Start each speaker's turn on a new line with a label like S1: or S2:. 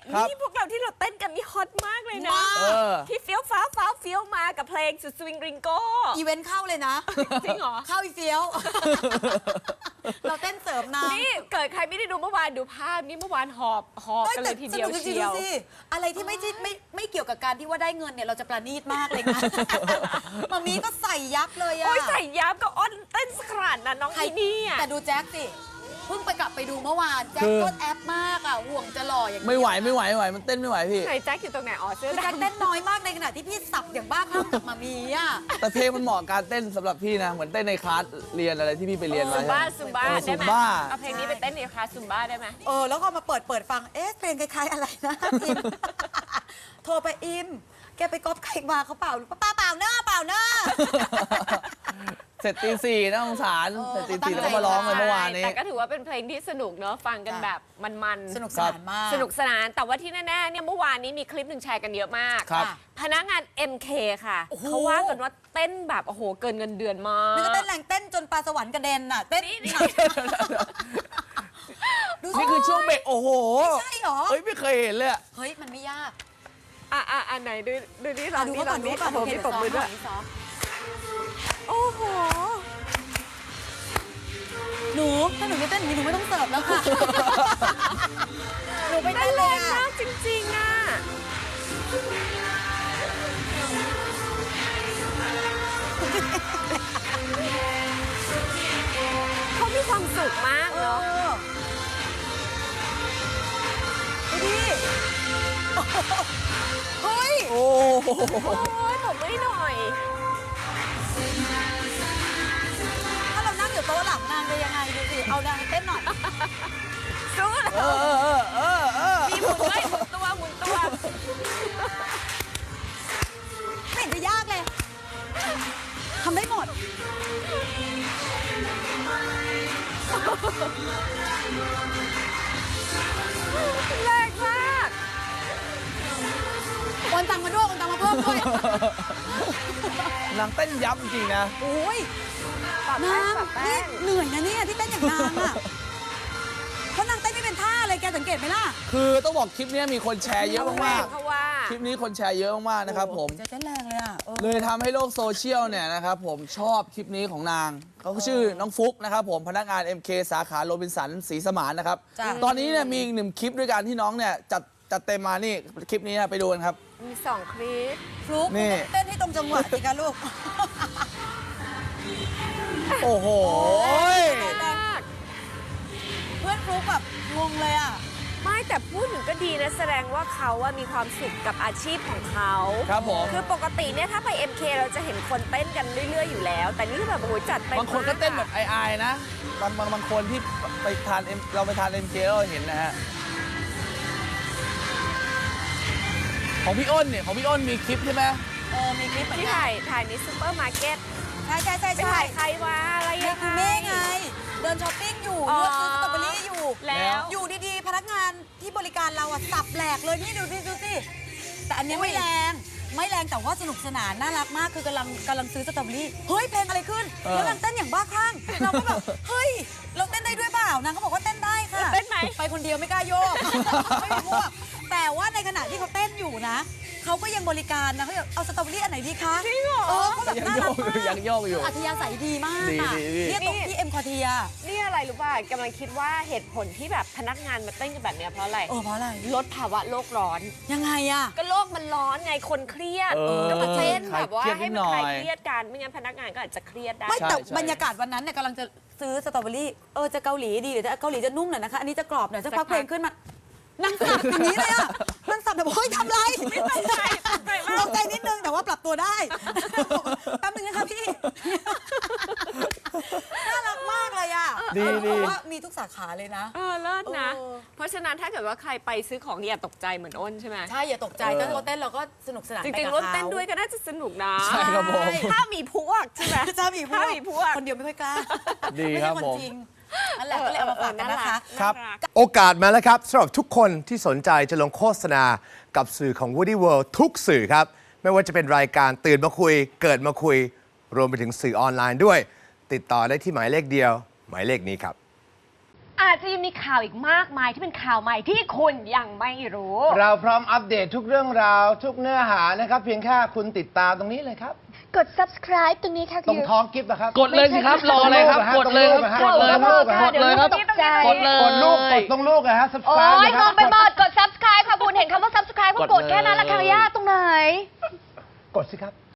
S1: นี่พวกเราที่เราเต้นกันนี่ฮอตมากเลยนะที่เฟี้ยวฟ้าเฟี้ยวมากับเพลงสุดสวิงริงโก้
S2: อีเวนต์เข้าเลยนะ
S1: จริงเหรอ
S2: เข้าอีเฟี้ยวเราเต้นเสริมนะ
S1: นี่เกิดใครไม่ได้ดูเมื่อวานดูภาพนี่เมื่อวานหอบกันเลยทีเดียวเชียว
S2: อะไรที่ไม่เกี่ยวกับการที่ว่าได้เงินเนี่ยเราจะประณีตมากเลยนะมามีก็ใส่ยับเลยอะ
S1: โอ้ยใส่ยับก็อ้อนเต้นสขนาดนั้นน้องที่นี่
S2: แต่ดูแจ็คสิเพิ่งไปกลับไปดูเมื่อวานแจ็คโคตรแอปมากอ่ะห่วงจะหล่ออย่างนี้
S3: ไม่ไหวมันเต้นไม่ไหวพี่
S1: ไหนแจ็คอยู่ตรงไหนอ๋อเสื้อ
S2: แจ็คเต้นน้อยมากในขณะที่พี่สับอย่างบ้าคลั่งกับมามีอ่ะ
S3: แต่เพลงมันเหมาะการเต้นสำหรับพี่นะเหมือนเต้นในคลาสเรียนอะไรที่พี่ไปเรียนมา
S1: ซุมบ้าได้ไหมเอาเพลงนี้ไปเต้นในคลาสซุมบ้าได้ไหม
S2: แล้วก็มาเปิดฟังเพลงคล้ายๆอะไรนะอิมโทรไปอิมแกไปก๊อปใครมาเขาเปล่าป้าเปล่าเนอะ
S3: เสร็จตี 4นะสงสารเสร็จตี 4แล้วก็มาร้องเลยเมื่อวานนี้
S1: แต่ก็ถือว่าเป็นเพลงที่สนุกเนอะฟังกันแบบมัน
S2: สนุกสนานมาก
S1: สนุกสนานแต่ว่าที่แน่ๆเนี่ยเมื่อวานนี้มีคลิปหนึ่งแชร์กันเยอะมากพนักงาน MK ค่ะเขาว่ากันว่าเต้นแบบโอ้โหเกินเงินเดือนมาก
S2: นี่ก็เต้นแรงเต้นจนปลาสวรรค์กระเด็นน่ะเต้น
S3: นี่คือช่วงเบรกโอ้โห
S2: ใช่หรอ
S3: เฮ้ยไม่เคยเห็นเลย
S2: เฮ้ยมันไม่ยาก
S1: อันไหนดูนี่ลองนี่ลองนี่
S2: โอ้โห
S1: มีตบมือด้วยโอ้โห
S2: ถ้าหนูไม่เต้นหนูไม่ต้องเสิร์ฟแล้วค่ะหนูไปเต้นเลย
S1: มากจริงๆอ่ะเขามีความสุขมากเนาะ
S2: ดิเฮ้ย
S3: โอ้โห
S1: ตบไม่หน่อย
S2: ถ้าเรานั่งอยู่โต๊ะหลังนางจะยังไงดูสิเอานางเต้นหน่อย
S1: สู้เลยมีหมุนด้วยหมุนตัวไม่
S2: เห็นจะยากเลยทำได้หมด
S1: แรงมาก
S2: โอนตังมาด้วยโอนตังมาเพิ่มด้วย
S3: นางเต้นยับจริงนะ
S2: โอ้ยนางนี่เหนื่อยนะเนี่ยที่เต้นอย่างนางอ่ะเพราะนางเต้นไม่เป็นท่าเลยแกสังเกตไหมล่ะ
S3: คือต้องบอกคลิปนี้มีคนแชร์เยอะมากๆคลิปนี้คนแชร์เยอะมากๆนะครับผม
S2: เต้นแรงเลยอ่ะ
S3: เลยทำให้โลกโซเชียลเนี่ยนะครับผมชอบคลิปนี้ของนางเขาชื่อน้องฟุกนะครับผมพนักงาน MK สาขาโรบินสันศรีสมานนะครับตอนนี้เนี่ยมีอีก1 คลิปด้วยกันที่น้องเนี่ยจัดเต็มมานี่คลิปนี้ไปดูกันครับ
S1: มี2 คลิป
S2: ฟลุ๊กเต้นให้ตรงจังหวะสิคะลูก
S3: โอ้โห
S2: เพื่อนฟลุ๊กแบบงงเลยอ่ะ
S1: ไม่แต่พูดถึงก็ดีนะแสดงว่าเขาว่ามีความสุขกับอาชีพของเขา
S3: ครับผม
S1: คือปกติเนี่ยถ้าไป MK เราจะเห็นคนเต้นกันเรื่อยๆอยู่แล้วแต่นี่แบบโอ้ยจัดไป
S3: บางคนก็เต้นแบบอายๆนะบางคนที่ไปทานเราไปทาน MK เราเห็นนะฮะของพี่อ้นเนี่ยของพี่อ้นมีคลิปใช่ไหม
S2: มีคลิป
S1: ที่ถ่ายในซูเปอร์มาร์เก็ต
S2: ใช่
S1: ถ่ายใครวะอะไรยังไง
S2: แม่ไงเดินช้อปปิ้งอยู่เลือกซื้อสตรอเบอรี่อยู่
S1: แล้ว
S2: อยู่ดีๆพนักงานที่บริการเราอะสับแหลกเลยนี่ดูสิแต่อันนี้ไม่แรงแต่ว่าสนุกสนานน่ารักมากคือกำลังซื้อสตรอเบอรี่เฮ้ยเพลงอะไรขึ้นแล้วนางเต้นอย่างบ้าคลั่งเราก็แบบเฮ้ยเราเต้นได้ด้วยเปล่านางก็บอกว่าเต้นได้ค่ะ
S1: เต้นไหม
S2: ไปคนเดียวไม่กล้าโยกไม่มีพวกแต่ว่าในขณะที่เขาเต้นอยู่นะเขาก็ยังบริการนะเขาอยากเอาสตรอเบอรี่อันไหนดีคะ
S1: จริงเหรอ
S2: เขาแบบน่ารักมาก
S3: ยังโยกอยู่
S2: อัธยาศัยดีมากค่ะเนี่ยตรงที่เอ็มคอเทีย
S1: นี่อะไรรู้ป่ะกำลังคิดว่าเหตุผลที่แบบพนักงานมาเต้นกันแบบนี้เพราะอะไรลดภาวะโลกร้อน
S2: ยังไงอะ
S1: ก็โลกมันร้อนไงคนเครียดก็มาเต้นแบบว่าให้มันคลายเครียดกันไม่งั้นพนักงานก็อาจจะเครียดได้
S2: ไม่แต่บรรยากาศวันนั้นเนี่ยกำลังจะซื้อสตรอเบอรี่จะเกาหลีดีหรือจะเกาหลีจะนุ่มหน่อยนะคะอันนี้จะกรอบหน่อยจะพักเพลงขึ้นมานั่งสับอย่างนี้เลยอ่ะนั่งสับแบบเฮ้ยทำไรตกใจนิดนึงแต่ว่าปรับตัวได้แป๊บนึงนะคะพี่น่ารักมากเลยอ่ะ
S3: ดี
S2: ว่ามีทุกสาขาเลยนะ
S1: เลิศนะเพราะฉะนั้นถ้าเกิดว่าใครไปซื้อของอย่าตกใจเหมือนอ้นใช่ไหม
S2: ใช่อย่าตกใจถ้าเราเต้นเราก็สนุกสนาน
S1: จริงๆรถเต้นด้วยก็น่าจะสนุกนะ
S3: ใช่ครับผม
S1: ถ้ามีพวกใช่ไหม
S2: ถ้ามีพวกคนเดียวไม่ค่อยกล้า
S3: ดีครับผม
S2: นั่นแหละก็เลยเอามาฝากกันนะคะ
S3: ครับ
S4: โอกาสมาแล้วครับสำหรับทุกคนที่สนใจจะลงโฆษณากับสื่อของ Woody World ทุกสื่อครับไม่ว่าจะเป็นรายการตื่นมาคุยเกิดมาคุยรวมไปถึงสื่อออนไลน์ด้วยติดต่อได้ที่หมายเลขเดียวหมายเลขนี้ครับ
S1: อาจจะยังมีข่าวอีกมากมายที่เป็นข่าวใหม่ที่คุณยังไม่รู้
S4: เราพร้อมอัปเดตทุกเรื่องราวทุกเนื้อหานะครับ เพียงแค่คุณติดตามตรงนี้เลยครับ
S1: กด subscribe ตรงนี้ค่ะ
S4: ตรงท้องกิฟต์นะครับ
S3: กดเลยสิครับรออะไรครับกดเลยครับ
S4: กดเลยครับ
S3: กดเลยครับ
S1: ตกใจ
S3: กดเลย
S4: กดลูกกดตรงลูกนะฮะ
S1: โอ้
S4: subscribe
S1: ย
S4: เลย
S1: ง
S4: ครั
S1: งไปหมดกด subscribe ค่ะคุณเห็นคำว่า subscribe ก็กดแค่นั้นละค่ะย่าตรงไหน
S4: กดสิครับ